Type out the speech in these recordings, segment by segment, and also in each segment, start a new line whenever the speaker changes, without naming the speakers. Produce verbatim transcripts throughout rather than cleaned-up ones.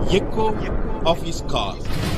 echo of his call.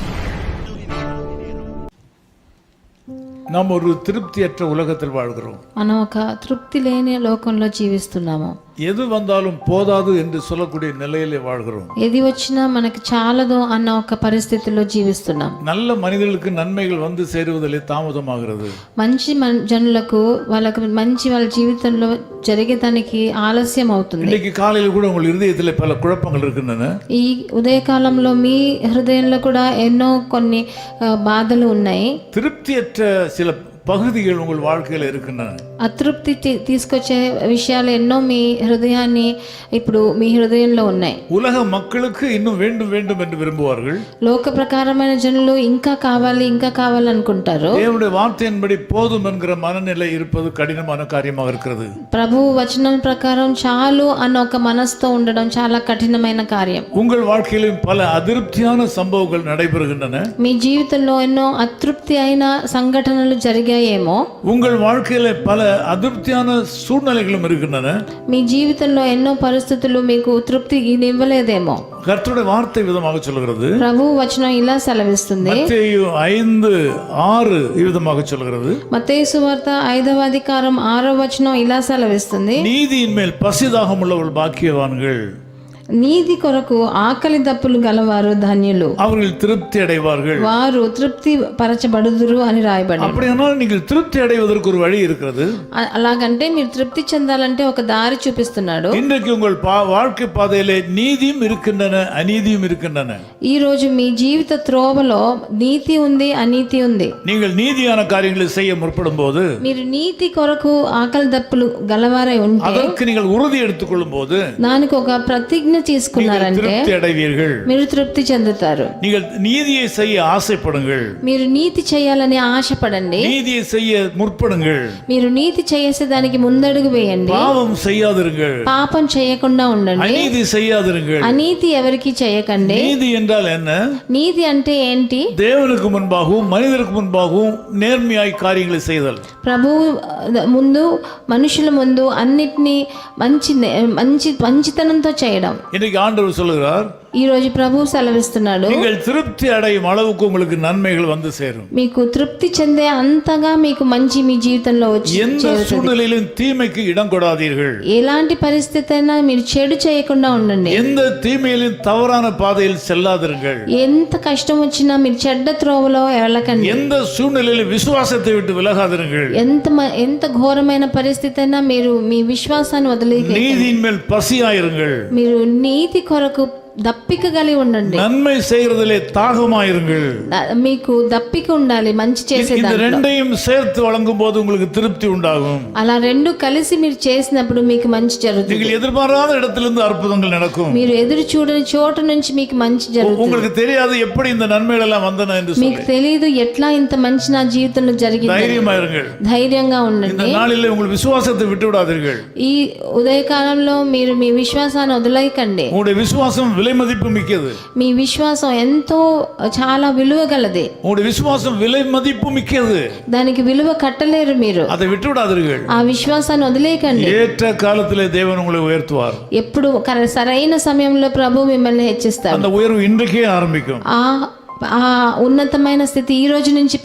நாம் ஒரு திருப்தியற்ற உலகத்தில் வாழ்கிறோம்.
మనం ఒక తృప్తి లేని లోకంలో జీవిస్తున్నాము.
எது வந்தாலும் போதாது என்று சொல்லக்கூடிய நிலையிலே வாழ்கிறோம்.
ఏది వచ్చినా మనకి చాలదు అన్న ఒక పరిస్థితిలో జీవిస్తున్నాం.
நல்ல மனிதர்களுக்கு நன்மைகள் வந்து சேருவதிலே தாமதமாகிறது.
మంచి జనులకు వాళ్ళకి మంచి వాళ్ళ జీవితంలో జరిగేదానికి ఆలస్యం అవుతుంది.
இன்னைக்கு காலையில் கூட உங்கள் இதயத்திலே பல குழப்பங்கள் இருக்கின்றன.
ఈ ఉదయకాలంలో మీ హృదయంలో కూడా ఎన్నో కొన్ని బాధలు ఉన్నాయి.
திருப்தியற்ற சில பகுதிகள் உங்கள் வாழ்க்கையில் இருக்கின்றன.
అతృప్తి తీసుకొచ్చే విషయాలు ఎన్నో మీ హృదయాన్ని ఇప్పుడు మీ హృదయంలో ఉన్నాయి.
உலக மக்களுக்கு இன்னும் வேண்டும் வேண்டும் என்று விரும்புவார்கள்.
లోక ప్రకారమైన జనులు ఇంకా కావాలి ఇంకా కావాలి అనుకుంటారు.
தேவனுடைய வார்த்தையின்படி போதும் என்கிற மனநிலை இருப்பது கடினமான காரியமாக இருக்கிறது.
ప్రభు వచనం ప్రకారం చాలు అన్న ఒక మనసుతో ఉండడం చాలా కఠినమైన కార్యం.
உங்கள் வாழ்க்கையிலும் பல அதிருப்தியான சம்பவங்கள் நடைபெறுகின்றன.
మీ జీవితంలో ఎన్నో అతృప్తి అయిన సంఘటనలు జరిగాయేమో.
உங்கள் வாழ்க்கையில பல அதிருப்தியான சூழ்நிலைகளும் இருக்கின்றன.
మీ జీవితంలో ఎన్నో పరిస్థితులు మీకు తృప్తి ఇవ్వలేదేమో.
கர்த்தருடைய வார்த்தை விதமாக சொல்கிறது.
ప్రభు వచనం ఇలా సెలవిస్తుంది.
மత్తேயு ஐந்து ஆறு விதமாக சொல்கிறது.
మత్తయి సువార్త ఐదవ అధికారం ఆరవ వచనం ఇలా సెలవిస్తుంది.
நீதியின் மேல் பசிதாகம் உள்ளவர்கள் பாக்கியவான்கள்.
నీతి కొరకు ఆకలి దప్పులు గలవారు ధన్యులు,
அவர்கள் திருப்தி அடைவார்கள்.
వారు తృప్తి పరచబడుదురు అని రాయబడింది.
அப்படியானால் நீங்கள் திருப்தி அடைவதற்கு ஒரு வழி இருக்கிறது.
అలాగంటే మీరు తృప్తి చెందాలంటే ఒక దారి చూపిస్తున్నాడు.
இன்றைக்கு உங்கள் வாழ்க்கை பாதையிலே நீதியும் இருக்கின்றன அநீதியும் இருக்கின்றன.
ఈ రోజు మీ జీవిత త్రోవలో నీతి ఉంది అనీతి ఉంది.
நீங்கள் நீதியான காரியங்களை செய்ய முற்படும் போது,
మీరు నీతి కొరకు ఆకలి దప్పులు గలవారై ఉంటే,
அதற்கு நீங்கள் உறுதி எடுத்துக்கொள்ளும் போது
దానికి ఒక ప్రతిజ్ఞ తీసుకున్నారంటే మీరు తృప్తి చెందుతారు.
நீங்கள் நீதியை செய்ய ஆசைப்படுங்கள்.
మీరు నీతి చేయాలని ఆశపడండి.
நீதியை செய்ய முற்படுங்கள்.
మీరు నీతి చేసే దానికి ముందడుగు వేయండి.
பாவம் செய்யாதிருங்கள்.
పాపం చేయకుండా ఉండండి.
அநீதி செய்யாதிருங்கள்.
అనీతి ఎవరికి చేయకండి.
நீதி என்றால் என்ன?
నీతి అంటే ఏంటి?
தேவனுக்கு முன்பாகவும் மனிதருக்கு முன்பாகவும் நேர்மையாய் காரியங்களை செய்தல்.
ప్రభు ముందు మనుషుల ముందు అన్నిటినీ మంచి మంచి మంచితనంతో చేయడం.
இன்னைக்கு ஆண்டவர் சொல்லுகிறார்,
ఈ రోజు ప్రభు సెలవిస్తున్నాడు,
நீங்கள் திருப்தி அடையும் அளவுக்கு உங்களுக்கு நன்மைகள் வந்து சேரும்.
మీకు తృప్తి చెందే అంతగా మీకు మంచి మీ జీవితంలో వచ్చి
எந்த சூழ்நிலையிலும் தீமைக்கு இடம் கொடாதீர்கள்.
ఎలాంటి పరిస్థితి అయినా మీరు చెడు చేయకుండా ఉండండి.
எந்த தீமையிலும் தவறான பாதையில் செல்லாதிருங்கள்.
ఎంత కష్టం వచ్చినా మీరు చెడ్డ త్రోవలో వెళ్ళకండి.
எந்த சூழ்நிலையிலும் விசுவாசத்தை விட்டு விலகாதிருங்கள்.
ఎంత ఎంత ఘోరమైన పరిస్థితి అయినా మీరు మీ విశ్వాసాన్ని వదిలేయండి.
நீதியின் மேல் பசியாயிருங்கள்.
మీరు నీతి కొరకు దప్పిక కలిగి ఉండండి.
நன்மை செய்யறதிலே தாகமாயிருங்கள்.
మీకు దప్పిక ఉండాలి మంచి చేసే
இந்த
దాంట్లో.
ரெண்டையும் சேர்த்து வழங்கும் போது உங்களுக்கு திருப்தி உண்டாகும்.
అలా రెండు కలిసి మీరు చేసినప్పుడు మీకు మంచి జరుగుతుంది.
நீங்கள் எதிர்பாராத இடத்திலிருந்து அற்புதங்கள் நடக்கும்.
మీరు ఎదురు చూడని చోట నుంచి మీకు మంచి జరుగుతుంది.
உங்களுக்கு தெரியாது எப்படி இந்த நன்மைகள் எல்லாம் வந்தன என்று சொல்லி.
మీకు తెలియదు ఎట్లా ఇంత మంచి నా జీవితంలో జరిగింది.
தைரியமாயிருங்கள்.
ధైర్యంగా ఉండండి.
இந்த நாளிலே உங்கள் விசுவாசத்தை விட்டு விடாதீர்கள்.
ఈ ఉదయకాలంలో మీరు మీ విశ్వాసాన్ని వదిలేయకండి.
உங்களுடைய விசுவாசம் விலை மதிப்பு மிக்கது.
మీ విశ్వాసం ఎంతో చాలా విలువ గలది.
உங்களுடைய விசுவாசம் விலை மதிப்பு மிக்கது.
దానికి విలువ కట్టలేరు మీరు.
அதை விட்டு விடாதீர்கள்.
ఆ విశ్వాసాన్ని వదిలేయకండి.
ஏற்ற காலத்திலே தேவன் உங்களை உயர்த்துவார்.
ఎప్పుడు సరైన సమయంలో ప్రభు మిమ్మల్ని హెచ్చిస్తారు.
அந்த உயர்வு இன்றைக்கே ஆரம்பிக்கும்.
ఆ ఆ ఉన్నతమైన స్థితి ఈ రోజు నుంచి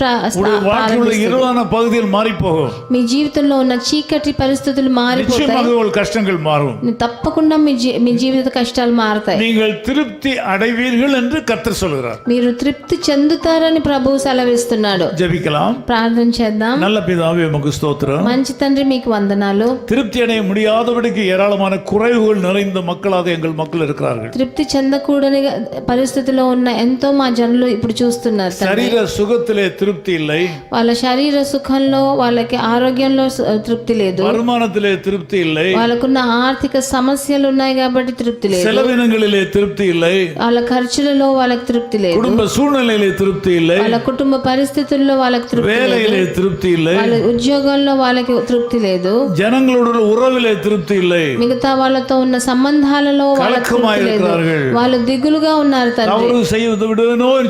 இருளான பகுதியில் மாறி போகும்.
మీ జీవితంలో ఉన్న చీకటి పరిస్థితులు మారిపోతాయి.
கஷ்டங்கள் மாறும்.
తప్పకుండా మీ మీ జీవిత కష్టాలు మారతాయి.
நீங்கள் திருப்தி அடைவீர்கள் என்று கர்த்தர் சொல்கிறார்.
మీరు తృప్తి చెందుతారని ప్రభువు సెలవిస్తున్నాడు.
ஜெபிக்கலாம்.
ప్రార్థన చేద్దాం.
நல்ல பிதாவே உமக்கு ஸ்தோத்திரம்.
మంచి తండ్రి మీకు వందనాలు.
திருப்தி அடைய முடியாதபடிக்கு ஏராளமான குறைவுகள் நிறைந்த மக்களாக எங்கள் மக்கள் இருக்கிறார்கள்.
తృప్తి చెందకూడని పరిస్థితిలో ఉన్న ఎంతో మా జనులు ఇప్పుడు చూస్తున్నారు.
శరీర సుఖத்திலே திருப்தி இல்லை.
వాళ్ళ శరీర సుఖంలో వాళ్ళకి ఆరోగ్యంలో తృప్తి లేదు.
வருமானத்திலே திருப்தி இல்லை.
వాళ్ళకున్న ఆర్థిక సమస్యలు ఉన్నాయి కాబట్టి తృప్తి లేదు.
செலவினங்களிலே திருப்தி இல்லை.
వాళ్ళ ఖర్చులలో వాళ్ళకి తృప్తి లేదు.
குடும்ப சூழ்நிலையிலே திருப்தி இல்லை.
వాళ్ళ కుటుంబ పరిస్థితుల్లో వాళ్ళకి తృప్తి లేదు.
வேலையிலே திருப்தி இல்லை.
వాళ్ళ ఉద్యోగంలో వాళ్ళకి తృప్తి లేదు.
జనங்களோட உறவிலே திருப்தி இல்லை.
మిగతా వాళ్ళతో ఉన్న సంబంధాలలో వాళ్ళకి తృప్తి లేదు. వాళ్ళు దిగులుగా ఉన్నారు తండ్రి.
తవరు செய்வது விடுவேனோ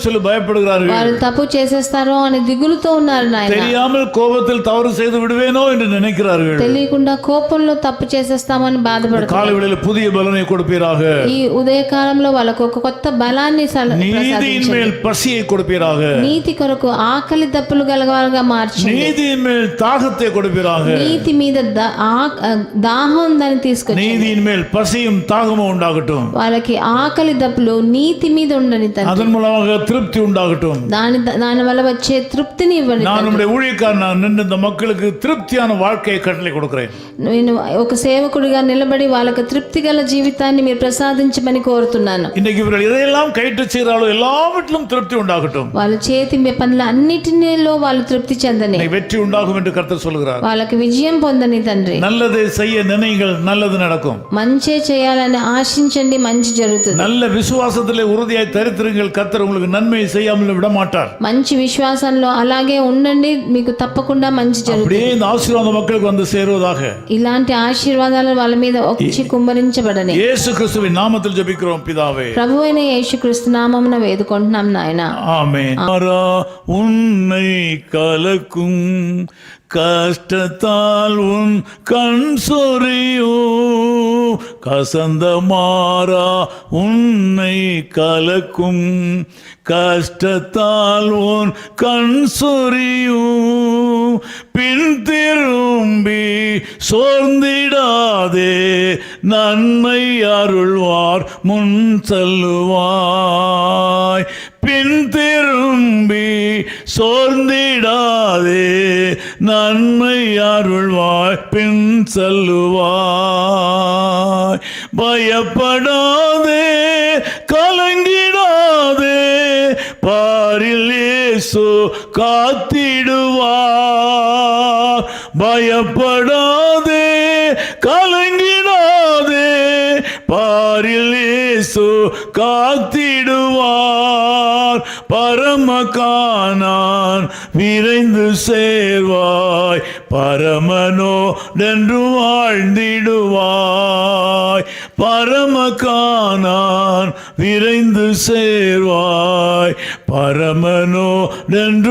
சொல்லி பயப்படுகிறார்கள்.
వారు తప్పు చేసేస్తారో అని దిగులుతో ఉన్నారు నాయన.
தெரியாமல் கோபத்தில் தவறு செய்து விடுவேனோ என்று நினைக்கிறார்கள்.
తెలియకుండా కోపంలో తప్పు చేసేస్తామని బాధపడుతున్నారు.
காலை வேளையில் புதிய பலனை கொடுப்பீராக.
ఈ ఉదయ కాలంలో వాళ్ళకు ఒక కొత్త బలాన్ని
நீதியின் மேல் பசியை கொடுப்பீராக.
నీతి కొరకు ఆకలి దప్పులు గలవారుగా మార్చండి.
நீதியின் மேல் தாகத்தை கொடுப்பீராக.
నీతి మీద దాహం ఉందని తీసుకొచ్చి
நீதியின் மேல் பசியும் தாகமும் உண்டாகட்டும்.
వాళ్ళకి ఆకలి దప్పులు నీతి మీద ఉండని తండ్రి.
அதன் மூலமாக திருப்தி உண்டாகட்டும்.
దాని దాని వల్ల వచ్చే తృప్తిని ఇవ్వండి.
நான் நம்முடைய ஊழியக்காரன் நின்று இந்த மக்களுக்கு திருப்தியான வாழ்க்கையை கட்டளை கொடுக்கிறேன்.
నేను ఒక సేవకుడిగా నిలబడి వాళ్ళకి తృప్తి గల జీవితాన్ని మీరు ప్రసాదించమని కోరుతున్నాను.
இன்னைக்கு இவர்கள் எதையெல்லாம் கைட்டு செய்கிறாளோ எல்லாவற்றிலும் திருப்தி உண்டாகட்டும்.
వాళ్ళ చేతి పనుల అన్నిటిలో వాళ్ళు తృప్తి చెందని
வெற்றி உண்டாகும் என்று கர்த்தர் சொல்கிறார்.
వాళ్ళకి విజయం పొందని తండ్రి.
நல்லதை செய்ய நினைங்கள், நல்லது நடக்கும்.
మంచి చేయాలని ఆశించండి, మంచి జరుగుతుంది.
நல்ல விசுவாசத்திலே உறுதியாய் தரித்திருங்கள், கர்த்தர் உங்களுக்கு நன்மை செய்யாமல் விட மாட்டார்.
మంచి విశ్వాసంలో అలాగే ఉండండి, మీకు తప్పకుండా మంచి జరుగుతుంది.
அப்படியே இந்த ஆசீர்வாதம் மக்களுக்கு வந்து சேருவதாக.
ఇలాంటి ఆశీర్వాదాలు వాళ్ళ మీద వచ్చి కుమ్మరించబడని
இயேசு கிறிஸ்துவின் நாமத்தில் ஜெபிக்கிறோம் பிதாவே.
ప్రభువైన యేసుక్రీస్తు నామమున వేడుకుంటున్నాం నాయన.
ஆமென். உன்னை கலக்கும் கஷ்டத்தால் உன் கண் சொறியோ, கசந்த மாறா உன்னை கலக்கும் கஷ்டத்தால் உன் கண் சொறியோ, பின் திரும்பி சோர்ந்திடாதே, நன்மை அருள்வார் முன் செல்லுவாய். பின் திரும்பி சோர்ந்திடாதே, நன்மை அருள்வாய் பின் செல்லுவாய். பயப்படாதே, கலங்கிடாதே, பாரில் இயேசு காத்திடுவார். பயப்படாதே, கலங்கிடாதே, பாரில் இயேசு காத்திடுவார். பரமகானான் விரைந்து சேர்வாய், பரமனோடென்று வாழ்ந்திடுவாய். பரமகானான் விரைந்து சேர்வாய், பரமனோடென்று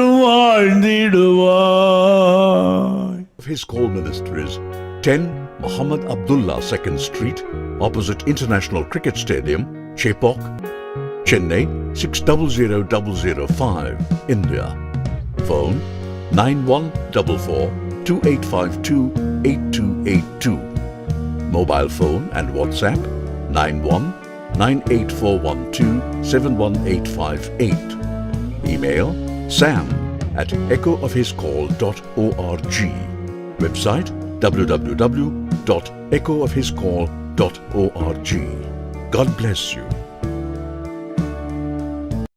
வாழ்ந்திடுவாய்.
His call ministries, ten Muhammad Abdullah second Street, opposite International Cricket Stadium, Chepauk, Chennai six zero zero zero zero five, India. Phone nine one four four two eight five two eight two eight two. Mobile phone and WhatsApp nine one nine eight four one two seven one eight five eight. Email sam at echo of his call dot org. Website w w w dot echo of his call dot org. God bless you.